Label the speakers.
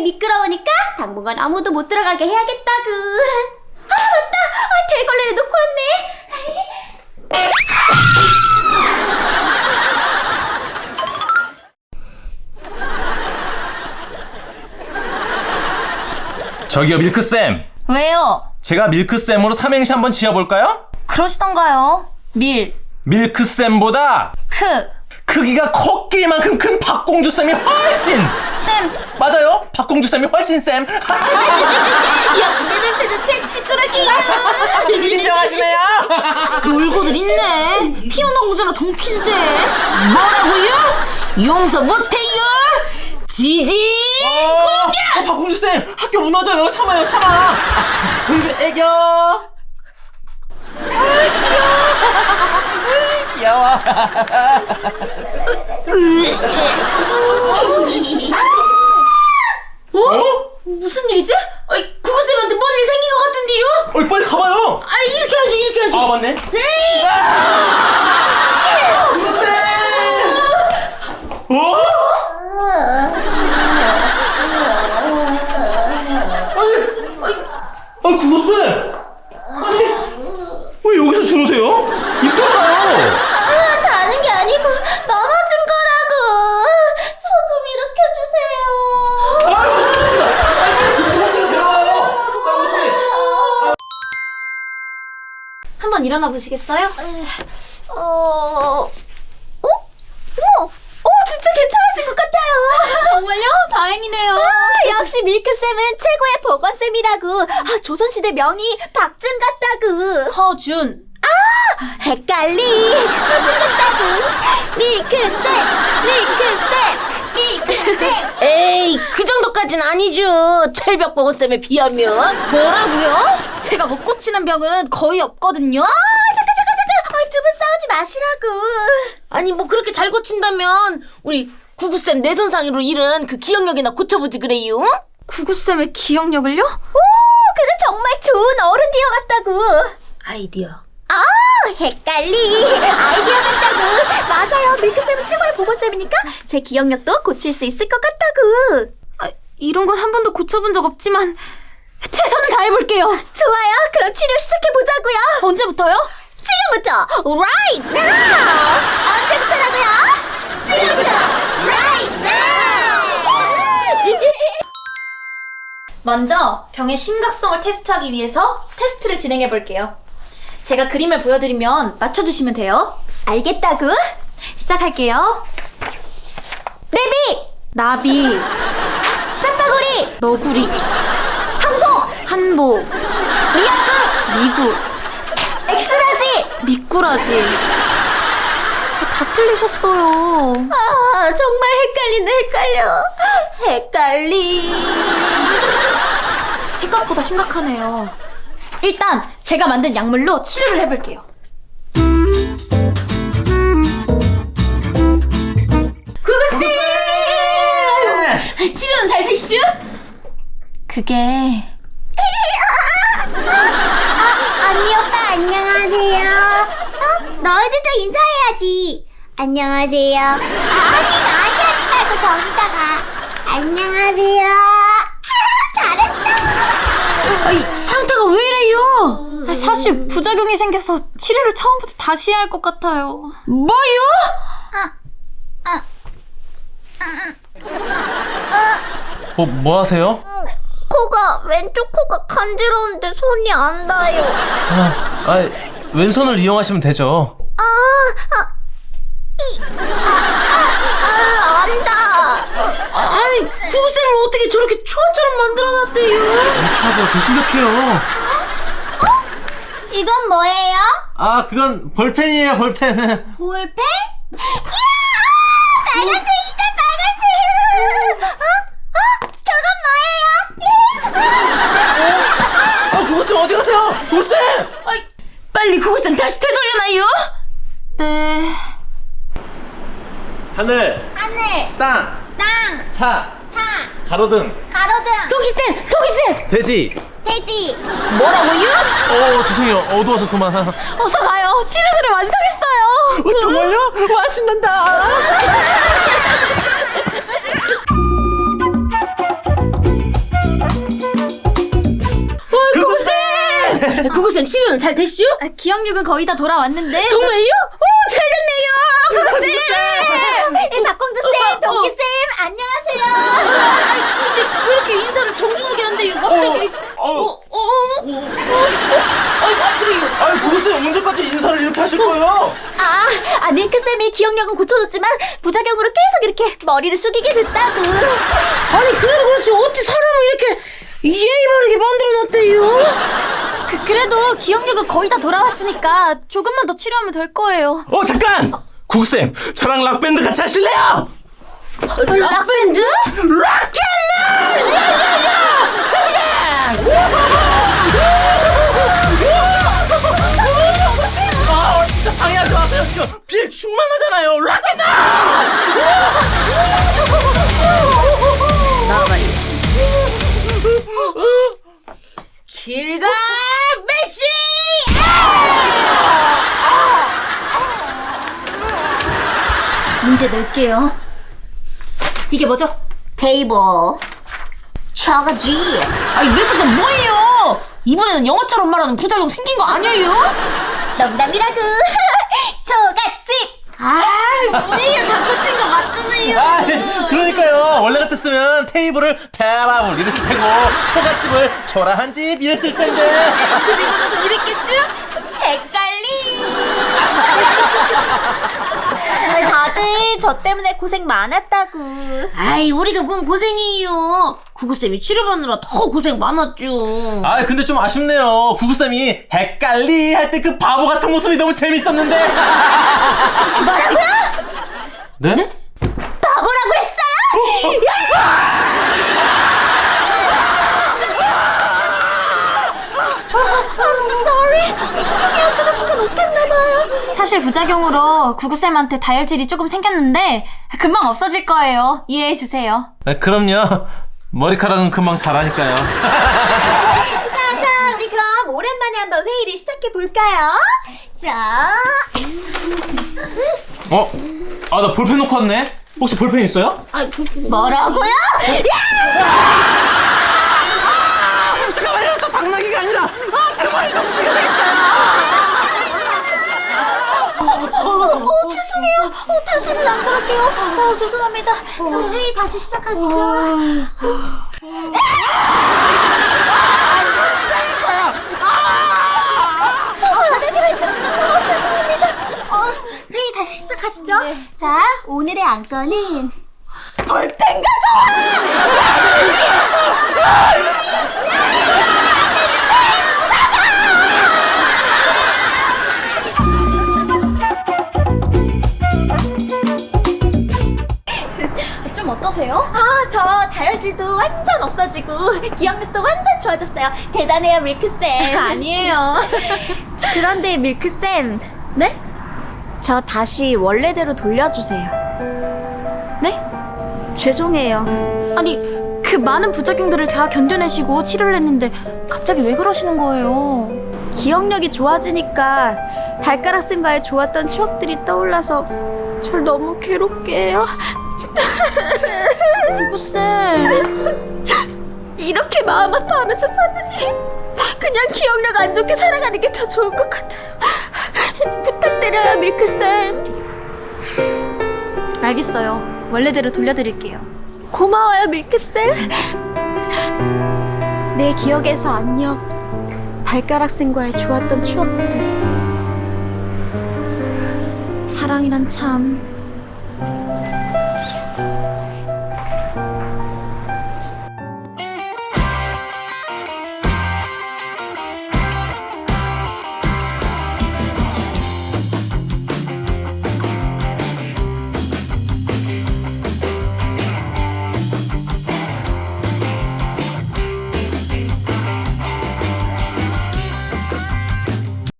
Speaker 1: 미끄러우니까 당분간 아무도 못 들어가게 해야겠다구. 아, 맞다. 대걸레를 놓고
Speaker 2: 왔네. 저기요, 밀크쌤.
Speaker 3: 왜요?
Speaker 2: 제가 밀크쌤으로 삼행시 한번 지어볼까요?
Speaker 3: 그러시던가요.
Speaker 2: 밀크쌤보다 크기가 코끼리만큼 큰 박공주쌤이 훨씬
Speaker 3: 쌤.
Speaker 2: 맞아요. 박공주쌤이 훨씬 쌤.
Speaker 1: 야, 기대는 패는 책 찌끄러기야.
Speaker 2: 인정하시네요.
Speaker 3: 놀고들 있네. 피어나 공주나 동키 주제. 뭐라고요? 용서 못해요. 지지.
Speaker 2: 박공주쌤 학교 무너져요. 참아요. 공주 애교. 귀여워.
Speaker 3: 무슨 일이지? 구구쌤한테 뭔 일 생긴 것 같은데요?
Speaker 2: 빨리 가봐요.
Speaker 3: 이렇게 해야지.
Speaker 2: 아, 맞네. 구구쌤. 구구쌤. 왜 여기서 주무세요? 입 돌아요.
Speaker 1: 자는 게 아니고 넘어진 거라고. 저 좀 일으켜주세요.
Speaker 3: 한번 일어나 보시겠어요?
Speaker 1: 어머, 진짜 괜찮아진 것 같아요.
Speaker 3: 정말요? 다행이네요.
Speaker 1: 역시 밀크쌤은 최고의 보건쌤이라고. 조선시대 명의 박준 같다구.
Speaker 3: 허준.
Speaker 1: 헷갈리. 허준 같다구. 밀크쌤.
Speaker 4: 에이, 그 정도까진 아니죠. 철벽 보건쌤에 비하면.
Speaker 3: 뭐라고요? 제가 못 고치는 병은 거의 없거든요.
Speaker 1: 잠깐. 두 분 싸우지 마시라고.
Speaker 4: 아니, 뭐 그렇게 잘 고친다면 우리 구구쌤 뇌손상으로 잃은 그 기억력이나 고쳐보지 그래요.
Speaker 3: 구구쌤의 기억력을요?
Speaker 1: 그건 정말 좋은 어른디어 같다고.
Speaker 4: 아이디어.
Speaker 1: 헷갈리. 아이디어 같다고. 맞아요. 밀크쌤은 최고의 보건쌤이니까 제 기억력도 고칠 수 있을 것 같다고.
Speaker 3: 이런 건 한 번도 고쳐본 적 없지만 최선을 다해볼게요.
Speaker 1: 좋아요. 그럼 치료 시작해보자고요.
Speaker 3: 언제부터요?
Speaker 1: 지금부터 right now. 언제부터라고요? 지금부터 right now.
Speaker 3: 먼저 병의 심각성을 테스트하기 위해서 테스트를 진행해 볼게요. 제가 그림을 보여드리면 맞춰주시면 돼요.
Speaker 1: 알겠다고?
Speaker 3: 시작할게요.
Speaker 1: 내비.
Speaker 3: 나비,
Speaker 1: 짬바구리.
Speaker 3: 너구리, 한보,
Speaker 1: 미역국.
Speaker 3: 미구,
Speaker 1: 엑스라지.
Speaker 3: 미꾸라지. 다 틀리셨어요.
Speaker 1: 정말 헷갈려. 헷갈리.
Speaker 3: 생각보다 심각하네요. 일단 제가 만든 약물로 치료를 해볼게요. 구구쌤! 치료는 잘 되시죠? 그게
Speaker 1: 언니 오빠 안녕하세요. 너희들도 인사해야지. 안녕하세요. 언니 나한테 하지 말고 저기다가 안녕하세요. 잘했다.
Speaker 4: 상태가 왜 이래요?
Speaker 3: 사실 부작용이 생겨서 치료를 처음부터 다시 해야 할 것 같아요.
Speaker 4: 뭐요?
Speaker 2: 뭐 하세요?
Speaker 1: 코가 왼쪽 코가 간지러운데 손이 안 닿아요.
Speaker 2: 왼손을 이용하시면 되죠.
Speaker 1: 안 닿아.
Speaker 4: 아니, 구구쌤을 어떻게 저렇게 초아처럼 만들어놨대요?
Speaker 2: 차가 더 심각해요.
Speaker 1: 이건 뭐예요?
Speaker 2: 그건 볼펜이에요, 볼펜.
Speaker 1: 볼펜? 이야! 빨간색이다, 빨간색! 저건 뭐예요?
Speaker 2: 구구쌤 어디 가세요? 구구쌤!
Speaker 4: 빨리 구구쌤 다시 되돌려놔요.
Speaker 3: 네.
Speaker 2: 하늘, 땅, 차, 가로등,
Speaker 1: 토끼쌤!
Speaker 2: 돼지.
Speaker 1: 돼지!
Speaker 4: 뭐라고요?
Speaker 2: 죄송해요. 어두워서 그만.
Speaker 3: 어서 가요. 치료제를 완성했어요.
Speaker 2: 정말요? 와, 신난다.
Speaker 4: 구구쌤 치료는 잘 됐슈?
Speaker 3: 기억력은 거의 다 돌아왔는데.
Speaker 4: 정말요? 오, 잘 됐네요, 구구쌤.
Speaker 1: 박공주쌤, 동기쌤, 안녕하세요.
Speaker 4: 근데 왜 이렇게 인사를 정중하게 하는데 이거 갑자기 그래요.
Speaker 2: 아니 구구쌤 언제까지 인사를 이렇게 하실 거예요?
Speaker 1: 밀크쌤이 기억력은 고쳐줬지만 부작용으로 계속 이렇게 머리를 숙이게 됐다고.
Speaker 4: 아니 그래도 그렇지 어떻게 사람을 이렇게 예의 바르게 만들어놨대요?
Speaker 3: 그래도 기억력은 거의 다 돌아왔으니까 조금만 더 치료하면 될 거예요.
Speaker 2: 잠깐! 구구쌤 저랑 락밴드 같이 하실래요?
Speaker 4: 락밴드?
Speaker 2: 진짜 방해하지 마세요. 지금 빌 충만하잖아요. 락밴드!
Speaker 4: 길가 메시!
Speaker 3: 문제 낼게요. 이게 뭐죠?
Speaker 1: 테이블. 저거지.
Speaker 4: 아니 밀크쌤 뭐예요? 이번에는 영어처럼 말하는 부작용 생긴 거 아니에요?
Speaker 1: 농담이라고. 초가집.
Speaker 4: 뭐예요? 다 고친 거 맞잖아요.
Speaker 2: 그러니까요. 원래 같았으면 테이블을 테라블 이랬을 테고 초가집을 초라한 집 이랬을 텐데.
Speaker 4: 그리고 나서 이랬겠죠? 헷갈리.
Speaker 1: 다들 저 때문에 고생 많았다고.
Speaker 4: 아이 우리가 뭔 고생이에요. 구구쌤이 치료받느라 더 고생 많았죠.
Speaker 2: 근데 좀 아쉽네요. 구구쌤이 헷갈리 할 때 그 바보 같은 모습이 너무 재밌었는데.
Speaker 1: 뭐라고요?
Speaker 2: 네?
Speaker 1: 바보라고 그랬어요? I'm sorry. 죄송해요. 제가 순간 웃겼나봐요.
Speaker 3: 사실 부작용으로 구구쌤한테 다혈질이 조금 생겼는데 금방 없어질 거예요. 이해해주세요.
Speaker 2: 그럼요. 머리카락은 금방 자라니까요.
Speaker 1: 자, 우리 그럼 오랜만에 한번 회의를 시작해볼까요? 자.
Speaker 2: 나 볼펜 놓고 왔네. 혹시 볼펜 있어요?
Speaker 1: 뭐라고요?
Speaker 2: 잠깐만요. 저 당나귀가 아니라 대머리 녹수가 되겠어요.
Speaker 1: 죄송해요. 다시는 안 그럴게요. 죄송합니다. 자, 회의 다시 시작하시죠. 잘하기로 했잖아요. 죄송합니다. 회의 다시 시작하시죠. 자, 오늘의 안건은 볼펜
Speaker 3: 좀 어떠세요?
Speaker 1: 저 다혈질도 완전 없어지고 기억력도 완전 좋아졌어요. 대단해요, 밀크쌤.
Speaker 3: 아니에요.
Speaker 1: 그런데 밀크쌤,
Speaker 3: 네?
Speaker 1: 저 다시 원래대로 돌려주세요.
Speaker 3: 네?
Speaker 1: 죄송해요.
Speaker 3: 아니 그 많은 부작용들을 다 견뎌내시고 치료를 했는데 갑자기 왜 그러시는 거예요?
Speaker 1: 기억력이 좋아지니까 발가락쌤과의 좋았던 추억들이 떠올라서 절 너무 괴롭게 해요.
Speaker 3: 구구쌤.
Speaker 1: 이렇게 마음 아파하면서 사느니 그냥 기억력 안 좋게 살아가는 게 더 좋을 것 같아요. 부탁드려요, 밀크쌤.
Speaker 3: 알겠어요. 원래대로 돌려드릴게요.
Speaker 1: 고마워요, 밀크쌤. 내 기억에서 안녕. 발가락쌤과의 좋았던 추억들.
Speaker 3: 사랑이란 참